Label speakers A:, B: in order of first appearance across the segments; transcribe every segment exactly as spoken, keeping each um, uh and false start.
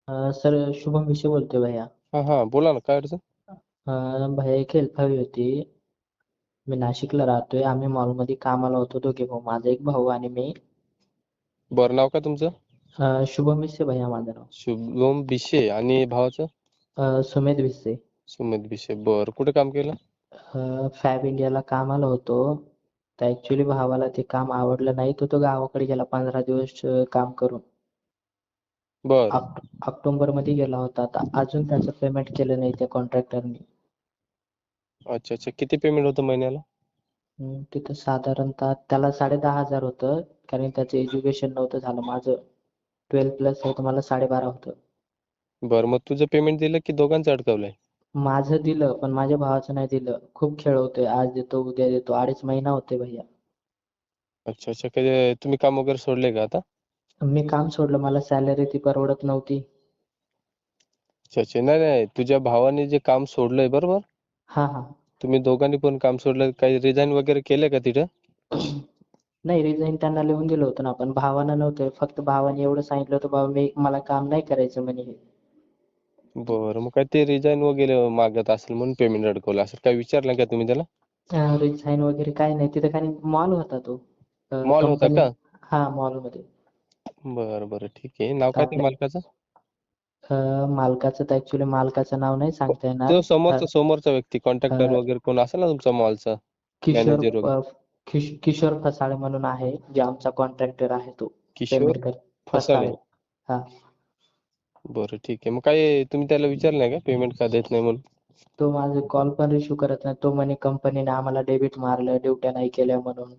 A: अ, sir Shubham विषय बोलतोय भैया.
B: हा हा बोला ना, काय अडचण?
A: अ, भैया एक हेल्प हवी होती. मी नाशिकला राहतोय. आम्ही मॉलमध्ये कामाला होतो दोघे भाऊ. माझा एक भाऊ आणि मी.
B: बरं, नाव काय तुमचं?
A: अ, शुभम विषय भैया माझं नाव.
B: शुभम बिशे. आणि भावाचं?
A: अ, सुमेध विषय.
B: सुमित बिशे. बरं, कुठे काम केलं?
A: अ, फॅब इंडियाला कामाला होतो. तर ऍक्च्युली भावाला ते काम आवडलं नाही, तो तो गावाकडे गेला पंधरा दिवस अ, काम करून.
B: बर.
A: ऑक्ट ऑक्टोबर मध्ये गेला होता. आता अजून त्याचं पेमेंट केलं नाही त्या कॉन्ट्रॅक्टरनी.
B: अच्छा अच्छा, किती पेमेंट होतं महिन्याला?
A: हम्म, तिथं साधारणतः त्याला साडे दहा हजार होतं, कारण त्याचं एज्युकेशन नव्हतं झालं. माझं ट्वेल्व प्लस होतं, मला साडेबारा होतं.
B: बरं, मग तुझं पेमेंट दिलं की दोघांचं अडकवलंय?
A: माझं दिलं, पण माझ्या भावाचं नाही दिलं. खूप खेळवतोय, आज देतो उद्या देतो. अडीच महिना होते भैया.
B: अच्छा अच्छा, कधी तुम्ही काम वगैरे सोडले का आता?
A: मी काम सोडलं, मला सॅलरी ती परवडत नव्हती.
B: अच्छा अच्छा, नाही नाही, तुझ्या भावाने जे काम सोडलंय बरोबर,
A: हा हा.
B: तुम्ही दोघांनी पण काम सोडलं, काही रिझाईन वगैरे केलं का तिथं?
A: नाही, रिझाईन त्यांना लिहून दिलं होतं ना, पण भावानं नव्हतं. फक्त भावाने एवढं सांगितलं होतं, बाबा मी मला काम नाही करायचं म्हणे हे.
B: बरं, मग काय ते रिझाईन वगैरे मागत असेल म्हणून पेमेंट अडकवलं असेल. काय विचारलं का तुम्ही त्याला?
A: रिझाईन वगैरे काय नाही, तिथं काही मॉल होता तो.
B: मॉल होता
A: कंपनी.
B: का?
A: हा, मॉलमध्ये.
B: बरं बरं, ठीक आहे. नाव
A: तर
B: काय ते
A: आपल्या
B: मालकाचं?
A: अ, मालकाचं तर ऍक्च्युली मालकाचं नाव नाही सांगता येणार.
B: तो
A: अ,
B: समोरचा समोरचा व्यक्ती,
A: अ,
B: कॉन्ट्रॅक्टर वगैरे कोण असेल ना तुमचा मॉलचा,
A: किशोर
B: मॅनेजर वगैरे.
A: अ, किश- किशोर फसाळे म्हणून आहे, जे आमचा कॉन्ट्रॅक्टर आहे तो.
B: किशोर
A: पेमेंट कर.
B: फसाळे.
A: फसाळे. हा.
B: बरं, ठीक आहे. मग काय तुम्ही त्याला विचारलं नाही का पेमेंट का देत नाही म्हणून?
A: तो माझे कॉल पण रिसिव्ह करत नाही. तो म्हणे कंपनीने आम्हाला डेबिट मारलं, ड्युट्या नाही केल्या म्हणून.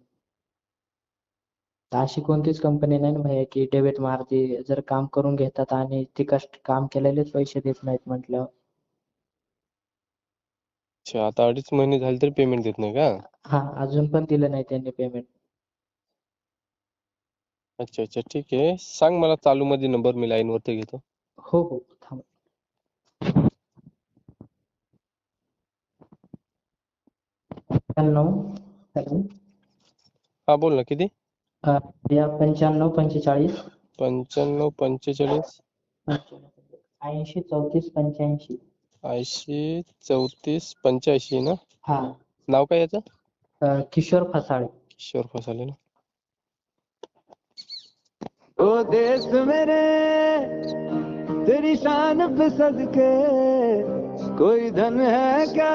A: तर अशी कोणतीच कंपनी नाही ना भैया की डेबिट मारते. जर काम करून घेतात आणि ती कष्ट काम केलेलेच पैसे देत नाहीत म्हटलं.
B: अच्छा, आता अडीच महिने झाले तरी पेमेंट देत नाही का?
A: हा, अजून पण दिलं नाही त्यांनी पेमेंट.
B: अच्छा अच्छा, ठीक आहे. सांग मला चालू मध्ये नंबर, मी लाईन वरती घेतो.
A: हो हो, थांब. पंच्याण्णव. हॅलो.
B: हा बोल ना, किती?
A: अ, या पंच्याण्णव पंचेचाळीस
B: पंच्याण्णव पंचेचाळीस
A: ऐंशी चौतीस पंच्याऐंशी.
B: ऐंशी चौतीस पंच्याऐंशी ना?
A: हा.
B: नाव काय याचं?
A: अ, किशोर फसाळे.
B: किशोर फसाले ना?
C: ओ देश मेरे तेरी शान पे सदके कोई धन है क्या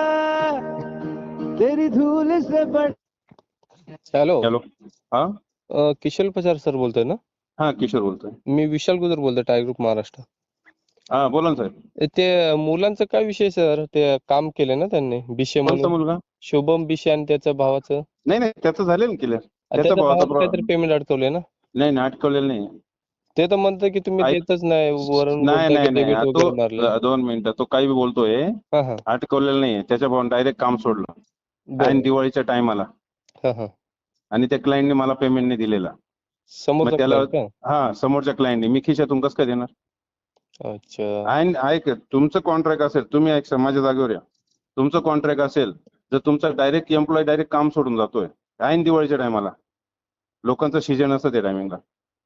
C: तेरी धूल से बढ़।
B: हॅलो.
C: हॅलो. हा
B: अ, किशोर फसार सर बोलतोय ना?
C: हा किशोर बोलतोय.
B: मी विशाल गुजर बोलतोय, टायगर ग्रुप महाराष्ट्र.
C: हा बोला ना साहेब.
B: ए, ते मुलांचं काय विषय सर? ते काम केलं ना त्यांनी, बिशे
C: कोणता
B: म्हणून,
C: मुलगा?
B: शुभम बिशे आणि त्याच्या भावाचं.
C: नाही नाही त्याचं झालेलं क्लिअर.
B: आणि
C: त्याचा
B: त्याच्या
C: भावाचा
B: भावाचं काहीतरी
C: प्रॉब्लेम.
B: पेमेंट अडकवलंय ना?
C: नाही नाही अटकवलेलं नाही.
B: ते तर म्हणतं की तुम्ही
C: ऐक,
B: देतच नाही, वरून
C: नाही
B: बोलताय की
C: नाही
B: डेबिट
C: नाही तो
B: वगैरे मारलंय.
C: अ, दोन मिनिटं, तो काही बी बोलतोय.
B: हा हा.
C: अटकवलेलं नाही. त्याच्या भावाने डायरेक्ट काम सोडलं आणि
B: बरं.
C: दिवाळीच्या टायमाला,
B: हा हा.
C: आणि त्या क्लायंटने मला पेमेंट नाही दिलेला. मग
B: समोरचा
C: त्याला,
B: क्लायंट का?
C: हा समोरच्या क्लायंटने, मी खिशातून कसं काय देणार?
B: अच्छा.
C: आणि ऐक, तुमचं कॉन्ट्रॅक्ट असेल, तुम्ही ऐक माझ्या जागेवर या, तुमचं कॉन्ट्रॅक्ट असेल, जर तुमचा डायरेक्ट एम्प्लॉय डायरेक्ट काम सोडून जातोय ऐन दिवाळीच्या टायमाला, लोकांचं सीजन असतं त्या टायमिंगला,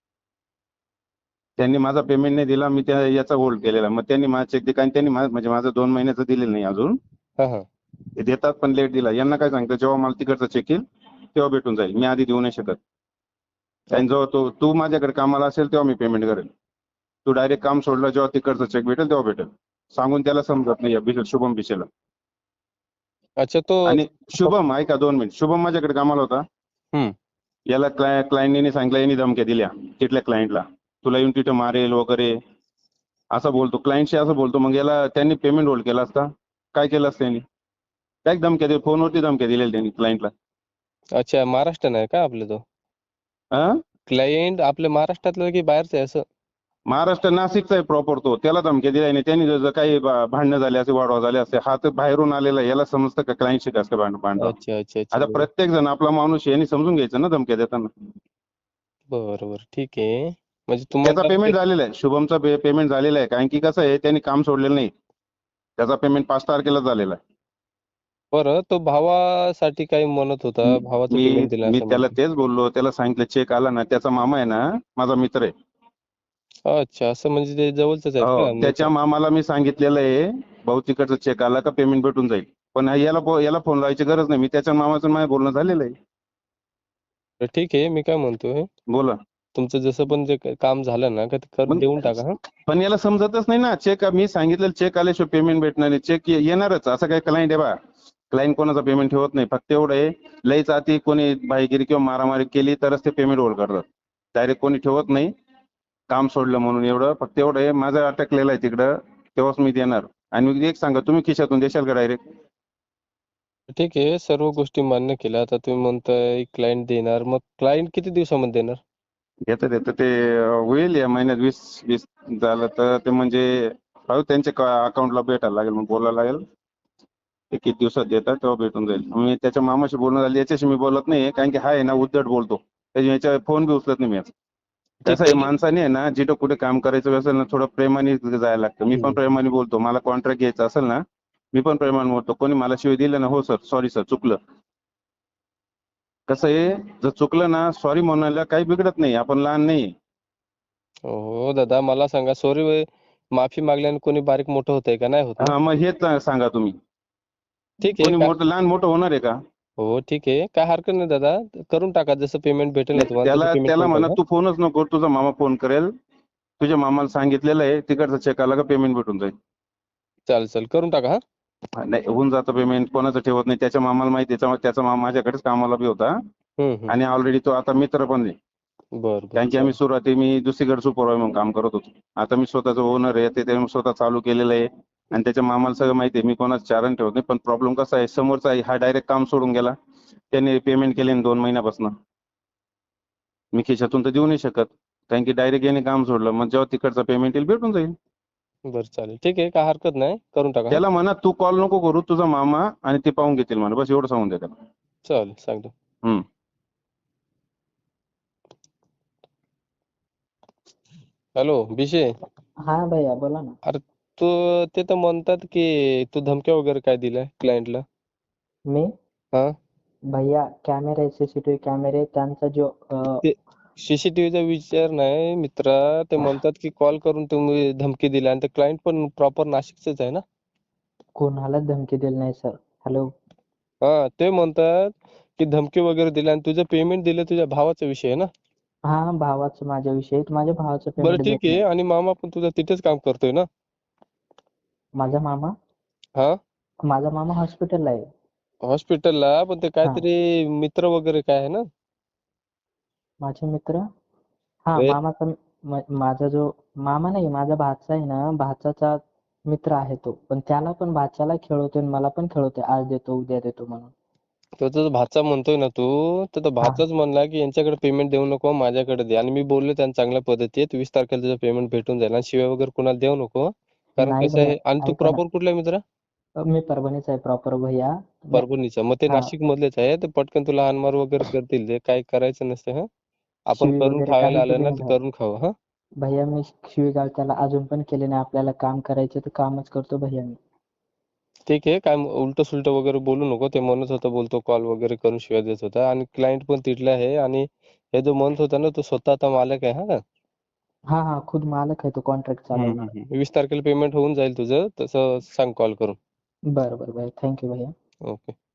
C: त्यांनी माझा पेमेंट नाही दिला, मी त्या याचा होल्ड केलेला, मग त्यांनी माझा चेक दिला आणि त्यांनी मा- म्हणजे माझं दोन महिन्याचं दिलेलं नाही अजून.
B: हा हा.
C: ते देतात पण लेट दिला. यांना काय सांगतं, जेव्हा मला तिकडचं चेक येईल तेव्हा भेटून जाईल, मी आधी देऊ नाही शकत. आणि जेव्हा तो तू माझ्याकडे कामाला असेल तेव्हा मी पेमेंट करेल. तू डायरेक्ट काम सोडलं, जेव्हा तिकडचं चेक भेटेल तेव्हा भेटेल. सांगून त्याला समजत नाही, या बिशे- शुभम बिशेला.
B: अच्छा, तो
C: आणि शुभम, ऐका दोन मिनिट, शुभम माझ्याकडे कामाला होता.
B: हम्म.
C: याला क्लाय क्लायंटने सांगितलं, यांनी धमक्या दिल्या तिथल्या क्लायंटला, तुला येऊन तिथं मारेल वगैरे असं बोलतो, क्लायंटशी असं बोलतो. मग याला त्यांनी पेमेंट होल्ड केला असता, काय केलं असतं त्यांनी? काय धमक्या दिल्या, फोनवरती धमक्या दिलेल्या त्यांनी क्लायंटला.
B: अच्छा, महाराष्ट्र नाही का आपलं तो
C: हा,
B: क्लायंट? आपल्या महाराष्ट्रातलं की बाहेरचं आहे असं?
C: महाराष्ट्र नाशिकचा आहे प्रॉपर तो. त्याला धमक्या दिल्या नाही त्यांनी. जर काही भा- भांडणं झाले असे, वाढवा झाले असते, हा तर बाहेरून आलेला, याला समजतं का क्लायंटशी कसं भांड भांडवा.
B: अच्छा अच्छा अच्छा.
C: आता
B: बरं
C: प्रत्येक जण आपला माणूस आहे, यांनी समजून घ्यायचं ना धमक्या देताना.
B: बरं बरं, ठीक आहे. म्हणजे
C: त्याचा
B: तुम्हाला ते-
C: पेमेंट झालेला आहे, शुभमचा पेमेंट झालेला आहे. कारण की कसं आहे, त्यांनी काम सोडलेलं नाही, त्याचा पेमेंट पाच तारखेला झालेला आहे.
B: बरं, तो भावासाठी काही म्हणत होता, भावाचं
C: मी
B: पेमेंट दिलं
C: मी
B: असं
C: त्याला
B: म्हणतो.
C: तेच बोललो, त्याला सांगितलं चेक आला ना, त्याचा मामा आहे ना माझा मित्र आहे,
B: अच्छा, असं म्हणजे ते जवळचेच आहेत
C: हो
B: का
C: त्याच्या
B: मित्र?
C: मामाला मी सांगितलेलं आहे भाऊ तिकडचा चेक आला का पेमेंट भेटून जाईल. पण याला फो- याला फोन लावायची गरज नाही. मी त्याच्या मामाचं माझं बोलणं झालेलं आहे.
B: तर ठीक आहे, मी काय म्हणतोय,
C: बोला.
B: तुमचं जसं पण जे काही काम झालं ना, का ते कर
C: पण
B: देऊन टाका हा.
C: पण याला समजतच नाही ना. चेक मी सांगितलेलं चेक आल्याशिवाय पेमेंट भेटणार नाही. चेक येणारच. असं काही क्लायंट आहे बा. क्लायंट कोणाचा पेमेंट ठेवत नाही. फक्त एवढं आहे, लईच अति कोणी भाईगिरी किंवा मारामारी केली तरच ते पेमेंट होल्ड करतात. डायरेक्ट कोणी ठेवत नाही. काम सोडलं म्हणून एवढं. फक्त एवढं आहे, माझं अटकलेलं आहे तिकडं, तेव्हाच मी देणार. आणि एक सांगा, तुम्ही खिशातून देशाल का डायरेक्ट?
B: ठीक आहे, सर्व गोष्टी मान्य केल्या. आता तुम्ही म्हणताय क्लायंट देणार, मग क्लायंट किती दिवसामध्ये देणार?
C: येतं येतं ते होईल या महिन्यात वीस वीस झालं तर ते म्हणजे हो त्यांच्या अकाउंटला भेटायला लागेल, मग बोलायला लागेल. ते किती दिवसात देतात तेव्हा भेटून जाईल. मी त्याच्या मामाशी बोलणं झालं, याच्याशी मी बोलत नाही कारण की हा आहे ना उद्धट बोलतो. त्याच्या याच्या फोन बी उचलत नाही मी आज.
B: ठीक
C: कसं आहे,
B: आहे.
C: माणसाने आहे ना जिथं कुठे काम करायचं असेल ना थोडं प्रेमाने जायला लागतं. मी पण
B: हम्म.
C: प्रेमाने बोलतो. मला कॉन्ट्रॅक्ट घ्यायचा असेल ना, मी पण प्रेमाने बोलतो. कोणी मला शिवाय दिलं ना, हो सर सॉरी सर चुकलं. कसं आहे, जर चुकलं ना सॉरी म्हणायला काही बिघडत नाही. आपण लहान नाही.
B: हो दादा, मला सांगा, सॉरी माफी मागल्याने कोणी बारीक मोठं होतंय का? नाही होत ना.
C: हा मग हेच सांगा तुम्ही.
B: ठीक आहे
C: कोणी
B: का?
C: मोठं लहान मोठं होणार आहे का?
B: हो ठीक आहे, काय हरकत नाही दादा, करून टाका. जसं पेमेंट भेटेल ना
C: नाही,
B: तुम्हाला तसं
C: त्याला
B: पेमेंट
C: त्याला
B: करून
C: म्हणा
B: टाका.
C: तू फोनच नको, तुझा मामा फोन करेल. तुझ्या मामाला सांगितलेलं आहे तिकडचा चेक आला का पेमेंट भेटून जाईल.
B: चालेल चालेल, करून टाका हा.
C: हा, नाही होऊन जातं पेमेंट. कोणाचं ठेवत नाही. त्याच्या मामाला माहिती आहे. त्याच्या त्याचा मामा माझ्याकडेच कामाला बी होता
B: हम्म हम्म.
C: आणि ऑलरेडी तो आता मित्र पण आहे.
B: बरं बरं,
C: कारण की आम्ही
B: चालेल.
C: सुरुवाती मी दुसरीकडे सुपरवायझर म्हणून काम करत होतो. आता मी स्वतःचं ओनर आहे, ते त्याने स्वतः चालू केलेलं आहे आणि त्याच्या मामाला सगळं माहिती आहे. मी कोणाचं चारण ठेवत नाही. पण प्रॉब्लेम कसा आहे, समोरचा आहे हा डायरेक्ट काम सोडून गेला. त्याने पेमेंट केले दोन महिन्यापासून. मी खिशातून तर देऊ नाही शकत कारण की डायरेक्ट याने काम सोडलं. मग जेव्हा तिकडचा पेमेंट येईल भेटून जाईल.
B: बरं चालेल, ठीक आहे, काय हरकत नाही, करून टाका हा.
C: त्याला म्हणा तू कॉल नको करू, तुझा मामा आणि ते पाहून घेतील म्हणा. बस एवढं सांगून द्या त्याला.
B: चालेल, सांगतो.
C: हम्म.
B: हॅलो बिशे,
A: हा भैया बोला ना.
B: अरे तू, ते तर म्हणतात की तू धमक्या वगैरे काय दिलाय क्लायंटला?
A: मी
B: हा,
A: भैया कॅमेरे सीसीटीव्ही कॅमेरे त्यांचा जो अं,
B: ते सीसीटीव्हीचा विचार नाही मित्रा, ते म्हणतात की कॉल करून तुम्ही धमकी दिली, आणि ते क्लायंट पण प्रॉपर नाशिकचेच आहे ना.
A: कोणालाच धमकी दिली नाही सर. हॅलो.
B: हा, ते म्हणतात की धमकी वगैरे दिली आणि तुझं पेमेंट दिलं तुझ्या भावाचा विषय आहे ना.
A: हा भावाचं माझ्या विषयी माझ्या भावाचं
B: बरं
A: पेमेंट
B: ठीक आहे,
A: भेटणार.
B: आणि मामा पण तुझा तिथेच काम करतोय ना.
A: माझा मामा
B: हा,
A: माझा मामा हॉस्पिटलला आहे.
B: हॉस्पिटलला, पण ते
A: हा
B: काहीतरी मित्र वगैरे काय आहे ना.
A: माझे मित्र. हा
B: ते
A: मामाचा म- माझा जो मामा नाही, माझा भाचा आहे ना, भाचाचा मित्र आहे तो. पण त्याला पण भाच्याला खेळवतोय आणि मला पण खेळवतोय. आज देतो उद्या देतो म्हणून.
B: तो तुझा भाचा म्हणतोय ना तू, तर तो
A: हा
B: भाचाच म्हणला की यांच्याकडे पेमेंट देऊ नको, माझ्याकडे दे. आणि मी बोललो त्यांना चांगल्या पद्धतीत, वीस तारखेला तुझं पेमेंट भेटून जाईल आणि शिव्या वगैरे कुणाला देऊ नको. कारण
A: नाही
B: कसं
A: भैया,
B: आहे, आणि तू
A: ऐका ना.
B: प्रॉपर कुठला आहे मित्रा?
A: मी परभणीचा आहे प्रॉपर भैया. नाही,
B: परभणीचा, मग ते
A: हा
B: नाशिक मधलेच आहे. ते पटकन तुला हानमार वगैरे करतील. ते काही करायचं नसतं. हा, आपण
A: शिवी
B: करून
A: वगैरे काही
B: खायला आलं
A: दिली
B: ना,
A: नाही
B: तर
A: भैया.
B: करून खावं. हा,
A: भैया मी शिवीगाळ त्याला अजून पण केले नाही. आपल्याला काम करायचं तर कामच करतो भैया मी.
B: ठीक आहे, काय उलट सुलट वगैरे बोलू नको. ते म्हणत होता, बोलतो कॉल वगैरे करून शिव्या देत होता, आणि क्लायंट पण तिथला आहे. आणि हे जो म्हणत होता ना, तो स्वतः आता मालक आहे. हा,
A: हा हा खुद मालक आहे तो, कॉन्ट्रॅक्ट
B: हम्म
A: चालवणार.
B: हम्म हम्म. वीस तारखेला पेमेंट होऊन जाईल तुझं, तसं सांग कॉल करून.
A: बरं बरं भैया, थँक्यू भैया.
B: ओके.